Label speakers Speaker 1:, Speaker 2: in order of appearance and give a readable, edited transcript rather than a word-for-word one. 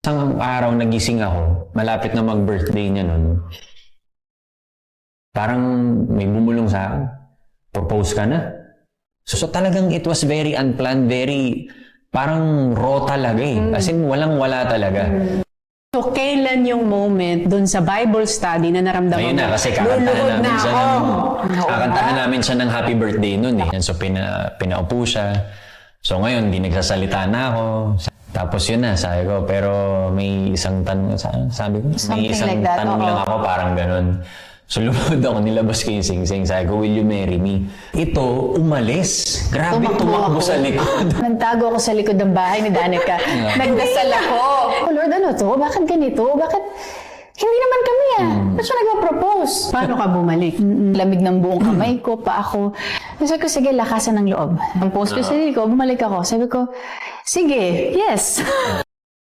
Speaker 1: Isang araw nagising ako, malapit na mag-birthday niya nun. Parang may bumulong sa akin. Propose ka na. So talagang it was very unplanned, very parang raw talaga eh. As in, walang-wala talaga.
Speaker 2: So, kailan yung moment dun sa Bible study na naramdaman
Speaker 1: Ayun na, kasi kakantahan namin siya ng happy birthday nun eh. So, pinaupo siya. So, ngayon, di nagsasalita na ako. Tapos yun na, sabi ko, pero may isang tanong, sabi ko, may isang
Speaker 3: like that,
Speaker 1: tanong lang ako, parang ganun. So, lumod ako, nilabas ko yung sing-sing. Sabi ko, will you marry me? Ito, umalis. Grabe, tumakbo sa likod.
Speaker 3: Nagtago ako sa likod ng bahay ni Danica. Nagdasal ako. Oh Lord, ano to? Bakit ganito? Bakit? Hindi naman kami Ba't siya nag-propose?
Speaker 2: Paano ka bumalik?
Speaker 3: Lamig ng buong kamay ko, pa ako. Sabi ko, sige, lakasan ng loob. Ang post ko sa sarili ko, bumalik ako. Sabi ko, sige, yes.